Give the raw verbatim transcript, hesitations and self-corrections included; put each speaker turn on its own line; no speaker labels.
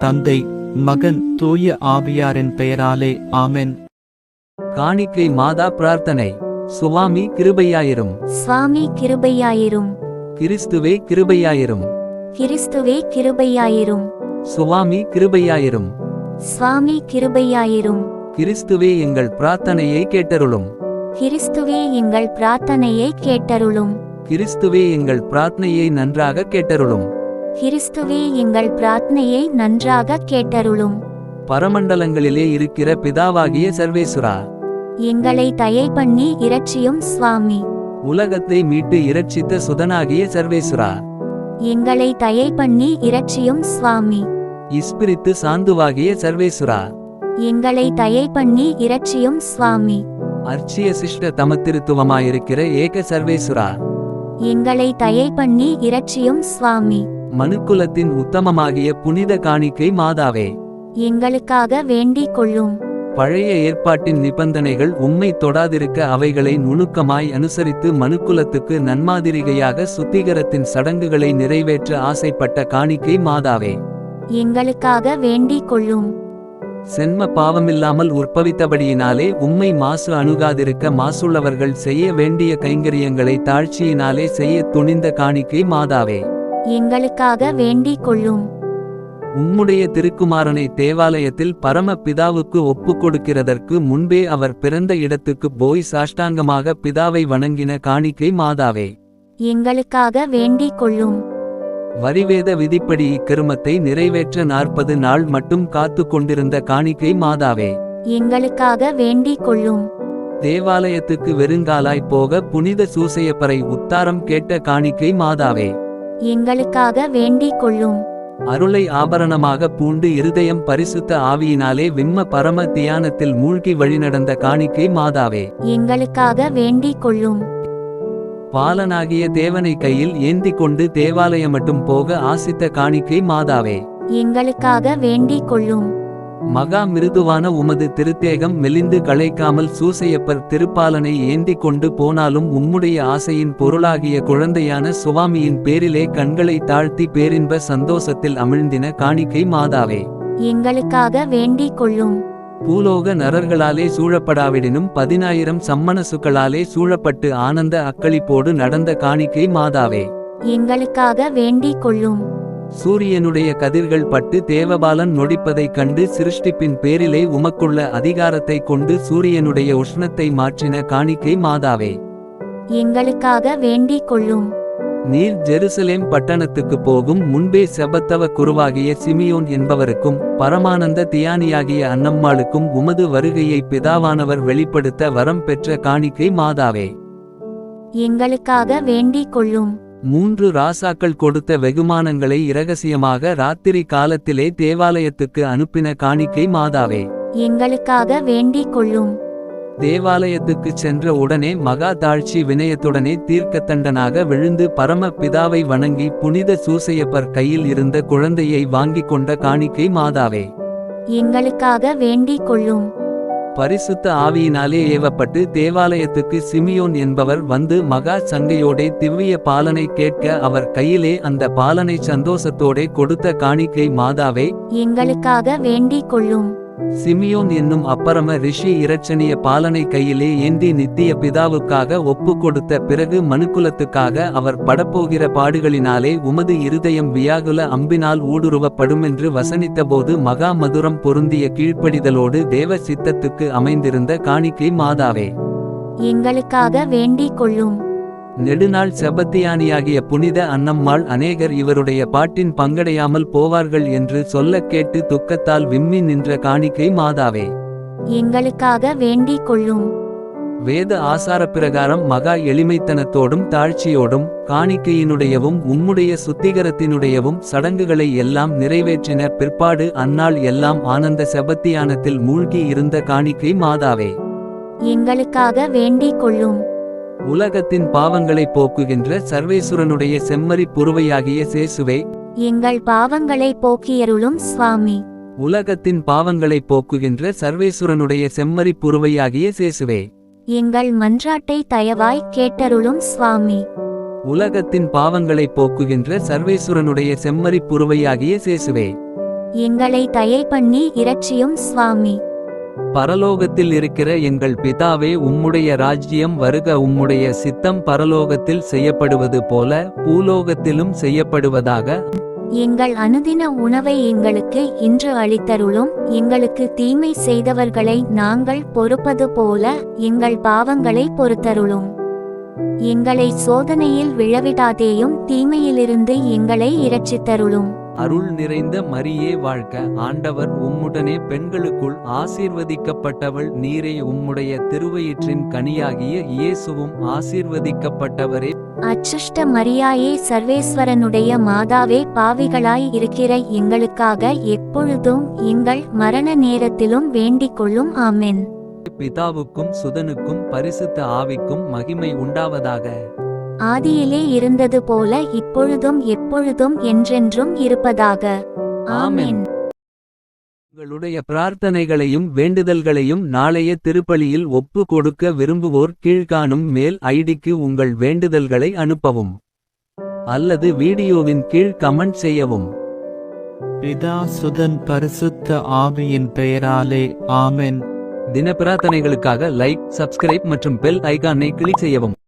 தந்தை, மகன், தூய ஆவியாரின் பெயராலே ஆமென்.
காணிக்கை மாதா பிரார்த்தனை. சுவாமி கிருபையாயிரும்.
சுவாமி கிருபையாயிரும்.
கிறிஸ்துவே கிருபையாயிரும்.
கிறிஸ்துவே கிருபையாயிரும்.
சுவாமி கிருபையாயிரும்.
சுவாமி கிருபையாயிரும்.
கிறிஸ்துவே எங்கள் பிரார்த்தனையை கேட்டருளும்.
கிறிஸ்துவே எங்கள் பிரார்த்தனையை கேட்டருளும்.
கிறிஸ்துவே எங்கள் பிரார்த்தனையை நன்றாக கேட்டருளும்.
கிறிஸ்துவே எங்கள் பிரார்த்தனையை நன்றாக கேட்டருளும்.
பரமண்டலங்களிலே இருக்கிற பிதாவாகிய சர்வேசுரா,
எங்களை தயை பண்ணி இரட்சியும் சுவாமி.
உலகத்தை மீட்டு இரட்சித்த சுதனாகிய சர்வேசுரா,
எங்களை தயை பண்ணி இரட்சியும் சுவாமி.
இஸ்பிரித்து சாந்துவாகிய சர்வேசுரா,
எங்களை தயை பண்ணி இரட்சியும் சுவாமி.
அர்ச்சிய சிஷ்ட தமத்திருத்துவமாயிருக்கிற ஏக சர்வேசுரா,
எங்களை தயை பண்ணி இரட்சியும் சுவாமி.
மனுக்குலத்தின் உத்தமமாகிய புனித காணிக்கை மாதாவே,
எங்களுக்காக வேண்டிக் கொள்ளும்.
பழைய ஏற்பாட்டின் நிபந்தனைகள் உம்மை தொடாதிருக்க அவைகளை நுணுக்கமாய் அனுசரித்து மனுக்குலத்துக்கு நன்மாதிரிகையாக சுத்திகரத்தின் சடங்குகளை நிறைவேற்ற ஆசைப்பட்ட காணிக்கை மாதாவே,
எங்களுக்காக வேண்டிக் கொள்ளும்.
சென்ம பாவமில்லாமல் உற்பவித்தபடியினாலே உம்மை மாசு அணுகாதிருக்க மாசுள்ளவர்கள் செய்ய வேண்டிய கைங்கரியங்களை தாழ்ச்சியினாலே செய்ய துணிந்த காணிக்கை மாதாவே,
எங்களுக்காக வேண்டிக் கொள்ளும்.
உம்முடைய திருக்குமாரனை தேவாலயத்தில் பரம பிதாவுக்கு ஒப்புக் கொடுக்கிறதற்கு முன்பே அவர் பிறந்த இடத்துக்கு போய் சாஷ்டாங்கமாக பிதாவை வணங்கின காணிக்கை மாதாவே,
எங்களுக்காக வேண்டிக் கொள்ளும்.
வரிவேத விதிப்படி இக்கருமத்தை நிறைவேற்ற நாற்பது நாள் மட்டும் காத்து கொண்டிருந்த காணிக்கை மாதாவே,
எங்களுக்காக வேண்டிக் கொள்ளும்.
தேவாலயத்துக்கு வெறுங்காலாய் போக புனித சூசையப்பரை உத்தாரம் கேட்ட காணிக்கை மாதாவே,
எங்களுக்காக வேண்டிக் கொள்ளும்.
அருளை ஆபரணமாக பூண்டு இருதயம் பரிசுத்த ஆவியினாலே விம்ம பரம தியானத்தில் மூழ்கி வழிநடந்த காணிக்கை மாதாவே,
எங்களுக்காக வேண்டிக் கொள்ளும்.
பாலனாகிய தேவனை கையில் ஏந்தி கொண்டு தேவாலயம் மட்டும் போக ஆசித்த காணிக்கை மாதாவே,
எங்களுக்காக வேண்டிக் கொள்ளும்.
மகா மிருதுவான உமது திருத்தேகம் மெலிந்து களைக்காமல் சூசையப்பர் திருப்பாலனை ஏந்தி கொண்டு போனாலும் உம்முடைய ஆசையின் பொருளாகிய குழந்தையான சுவாமியின் பேரிலே கண்களை தாழ்த்தி பேரின்ப சந்தோஷத்தில் அமிழ்ந்தின காணிக்கை மாதாவே,
எங்களுக்காக வேண்டிக் கொள்ளும்.
பூலோக நரர்களாலே சூழப்படாவிடினும் பதினாயிரம் சம்மணசுக்களாலே சூழப்பட்டு ஆனந்த அக்களிப்போடு நடந்த காணிக்கை மாதாவே,
எங்களுக்காக வேண்டிக் கொள்ளும்.
சூரியனுடைய கதிர்கள் பட்டு தேவபாலன் நொடிப்பதைக் கண்டு சிருஷ்டிப்பின் பேரிலே உமக்குள்ள அதிகாரத்தை கொண்டு சூரியனுடைய உஷ்ணத்தை மாற்றின காணிக்கை மாதாவே,
எங்களுக்காக வேண்டிக் கொள்ளும்.
நீர் ஜெருசலேம் பட்டணத்துக்கு போகும் முன்பே செபத்தவ குருவாகிய சிமியோன் என்பவருக்கும் பரமானந்த தியானியாகிய அன்னம்மாளுக்கும் உமது வருகையை பிதாவானவர் வெளிப்படுத்த வரம் பெற்ற காணிக்கை மாதாவே,
எங்களுக்காக வேண்டிக் கொள்ளும்.
மூன்று ராசாக்கள் கொடுத்த வெகுமானங்களை இரகசியமாக ராத்திரி காலத்திலே தேவாலயத்துக்கு அனுப்பின காணிக்கை மாதாவே,
எங்களுக்காக வேண்டிக் கொள்ளும்.
தேவாலயத்துக்குச் சென்ற உடனே மகா தாழ்ச்சி வினயத்துடனே தீர்க்கத்தண்டனாக விழுந்து பரம பிதாவை வணங்கி புனித சூசையப்பர் கையில் இருந்த குழந்தையை வாங்கிக் கொண்ட காணிக்கை மாதாவே,
எங்களுக்காக வேண்டிக் கொள்ளும்.
பரிசுத்த ஆவியினாலே ஏவப்பட்டு தேவாலயத்துக்கு சிமியோன் என்பவர் வந்து மகா சங்கையோடே திவ்விய பாலனை கேட்க அவர் கையிலே அந்த பாலனை சந்தோஷத்தோடே கொடுத்த காணிக்கை மாதாவே,
எங்களுக்காக வேண்டிக் கொள்ளும்.
சிமியோன் என்னும் அப்பரம ரிஷி இரட்சணிய பாலனை கையிலே ஏந்தி நித்திய பிதாவுக்காக ஒப்பு கொடுத்த பிறகு மனுக்குலத்துக்காக அவர் படப்போகிற பாடுகளினாலே உமது இருதயம் வியாகுல அம்பினால் ஊடுருவப்படுமென்று வசனித்தபோது மகா மதுரம் பொருந்திய கீழ்ப்படிதலோடு தேவ சித்தத்துக்கு அமைந்திருந்த காணிக்கை மாதாவே,
எங்களுக்காக வேண்டிக் கொள்ளும்.
நெடுநாள் செபத்தியானியாகிய புனித அன்னம்மாள் அநேகர் இவருடைய பாட்டின் பங்கடையாமல் போவார்கள் என்று சொல்லக் கேட்டு துக்கத்தால் விம்மி நின்ற காணிக்கை மாதாவே,
எங்களுக்காக வேண்டிக் கொள்ளும்.
வேத ஆசாரப்பிரகாரம் மகா எளிமைத்தனத்தோடும் தாழ்ச்சியோடும் காணிக்கையினுடையவும் உம்முடைய சுத்திகரத்தினுடையவும் சடங்குகளை எல்லாம் நிறைவேற்றின பிற்பாடு அந்நாள் எல்லாம் ஆனந்த செபத்தியானத்தில் மூழ்கி இருந்த காணிக்கை மாதாவே,
எங்களுக்காக வேண்டிக் கொள்ளும்.
உலகத்தின் பாவங்களை போக்குகின்ற சர்வேசுரனுடைய செம்மறி புருவையாகிய சேசுவே,
எங்கள் பாவங்களை போக்கியருளும் சுவாமி.
உலகத்தின் பாவங்களை போக்குகின்ற சர்வேசுரனுடைய செம்மறி புருவையாகிய சேசுவே,
எங்கள் மன்றாட்டை தயவாய் கேட்டருளும் சுவாமி.
உலகத்தின் பாவங்களை போக்குகின்ற சர்வேசுரனுடைய செம்மறி புருவையாகிய சேசுவே,
எங்களை தயை பண்ணி இரட்சியும் சுவாமி.
பரலோகத்தில் இருக்கிற எங்கள் பிதாவே, உம்முடைய ராஜ்யம் வருக. உம்முடைய சித்தம் பரலோகத்தில் செய்யப்படுவது போல பூலோகத்திலும் செய்யப்படுவதாக.
எங்கள் அனுதின உணவை எங்களுக்கு இன்று அளித்தருளும். எங்களுக்கு தீமை செய்தவர்களை நாங்கள் பொறுப்பது போல எங்கள் பாவங்களை பொறுத்தருளும். எங்களை சோதனையில் விழவிடாதேயும், தீமையிலிருந்து எங்களை இரட்சித்தருளும்.
அருள் நிறைந்த மரியே வாழ்க, ஆண்டவர் உம்முடனே பெண்களுக்குள் ஆசீர்வதிக்கப்பட்டவள் நீரே. உம்முடைய திருவயிற்றின் கனியாகிய இயேசுவும் ஆசீர்வதிக்கப்பட்டவரே.
அச்சுஷ்ட மரியாயே, சர்வேஸ்வரனுடைய மாதாவே, பாவிகளாய் இருக்கிற எங்களுக்காக எப்பொழுதும் எங்கள் மரண நேரத்திலும் வேண்டிக் கொள்ளும். ஆமென்.
பிதாவுக்கும் சுதனுக்கும் பரிசுத்த ஆவிக்கும் மகிமை உண்டாவதாக.
ஆதியிலே இருந்தது போல இப்பொழுதும் எப்பொழுதும் என்றென்றும் இருப்பதாக. ஆமென்.
உங்களுடைய பிரார்த்தனைகளையும் வேண்டுதல்களையும் நாளைய திருப்பலியில் ஒப்பு கொடுக்க விரும்புவோர் கீழ்காணும் மேல் ஐடிக்கு உங்கள் வேண்டுதல்களை அனுப்பவும் அல்லது வீடியோவின் கீழ் கமெண்ட் செய்யவும்.
பிதா சுதன் பரிசுத்த ஆவியின் பெயராலே ஆமென்.
தின பிரார்த்தனைகளுக்காக லைக், சப்ஸ்கிரைப் மற்றும் பெல் ஐகானை கிளிக் செய்யவும்.